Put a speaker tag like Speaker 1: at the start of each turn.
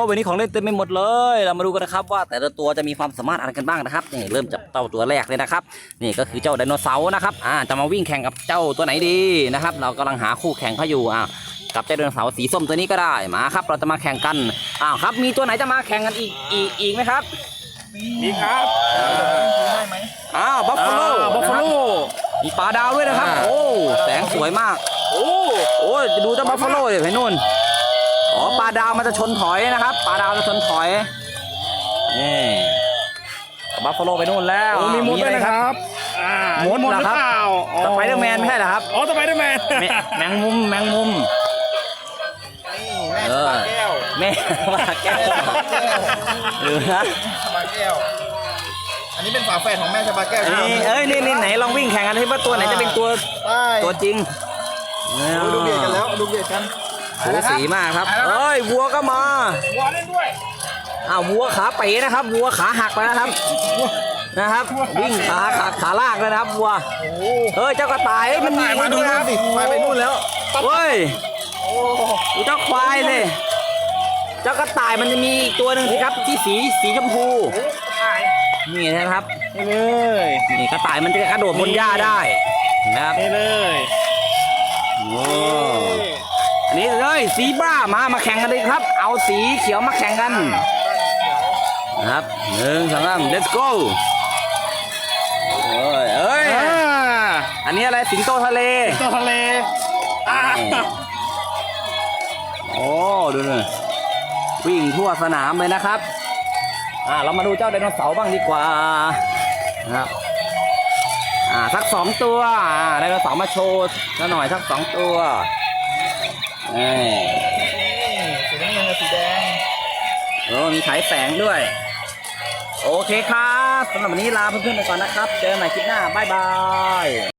Speaker 1: วันนี้ของเล่นเต็มไปหมดเลยเรามาดูกันนะครับว่าแต่ละตัวจะมีความสามารถอะไรกันบ้างนะครับนี่เริ่มจากเจ้าตัวแรกเลยนะครับนี่ก็คือเจ้าไดโนเสาร์นะครับจะมาวิ่งแข่งกับเจ้าตัวไหนดีนะครับเรากำลังหาคู่แข่งเขาอยู่กับเจ้าไดโนเสาร์สีส้มตัวนี้ก็ได้มาครับเราจะมาแข่งกันครับมีตัวไหนจะมาแข่งกันอีกไหมครับ
Speaker 2: มีครับได้ไหม
Speaker 1: บัฟฟาโลมีปลาดาวด้วยนะครับโอ้แสงสวยมากโอ้ดูเจ้าบัฟฟาโลเลยเห็นนู่นปลาดาวมันจะชนถอยนะครับปลาดาวจะชนถอยนี่บัฟฟาโลไปนู่นแล้ว
Speaker 2: มีมดด้วยนะครับ
Speaker 1: มดเหรอครับสไปเดอร์แมนไม่ใช่เหรอครับ
Speaker 2: สไปเดอร์แมน
Speaker 1: แมงมุมแม่ปลาแก้วหรือนะ
Speaker 2: ปลาแก้วอันนี้เป็นฝาแฝดของแม่ชาบาแก้ว
Speaker 1: นี่ไหนลองวิ่งแข่งกันให้ว่าตัวไหนจะเป็นตัวจริง
Speaker 2: ดูเบียดกันแล้วดูเบียดกัน
Speaker 1: สูสีมากครับวัวก็มา
Speaker 2: วัวเล่นด้วย
Speaker 1: วัวขาเป๋นะครับวัวขาหักแล้วนะครับวิ่งขาลากเลยนะครับวัวเจ้ากระต่ายมันมี
Speaker 2: มาดูนะสิไปนู่นแล้ว
Speaker 1: เฮ้ยเจ้าควายเลยเจ้ากระต่ายมันจะมีอีกตัวหนึ่งสิครับที่สีชมพูนี่นะครับ
Speaker 2: นี่เลย
Speaker 1: นี่กระต่ายมันจะกระโดดบนหญ้าได้นะครับ
Speaker 2: นี่เลย
Speaker 1: อันนี้เลยสีบ้ามาแข่งกันเลยครับเอาสีเขียวมาแข่งกันนะครับ1 2 3 let's go อันนี้อะไรสิงโตทะเลดูหน่อยวิ่งทั่วสนามเลยนะครับเรามาดูเจ้าไดโนเสาร์บ้างดีกว่านะครับสัก2ตัวไดโนเสาร์มาโชว์หน่อยสัก2ตัว
Speaker 2: สีน้ำเงินกับสีแดง
Speaker 1: มีฉายแสงด้วยโอเคครับสำหรับวันนี้ลาเพื่อนๆไปก่อนนะครับเจอกันใหม่คลิปหน้าบ๊ายบาย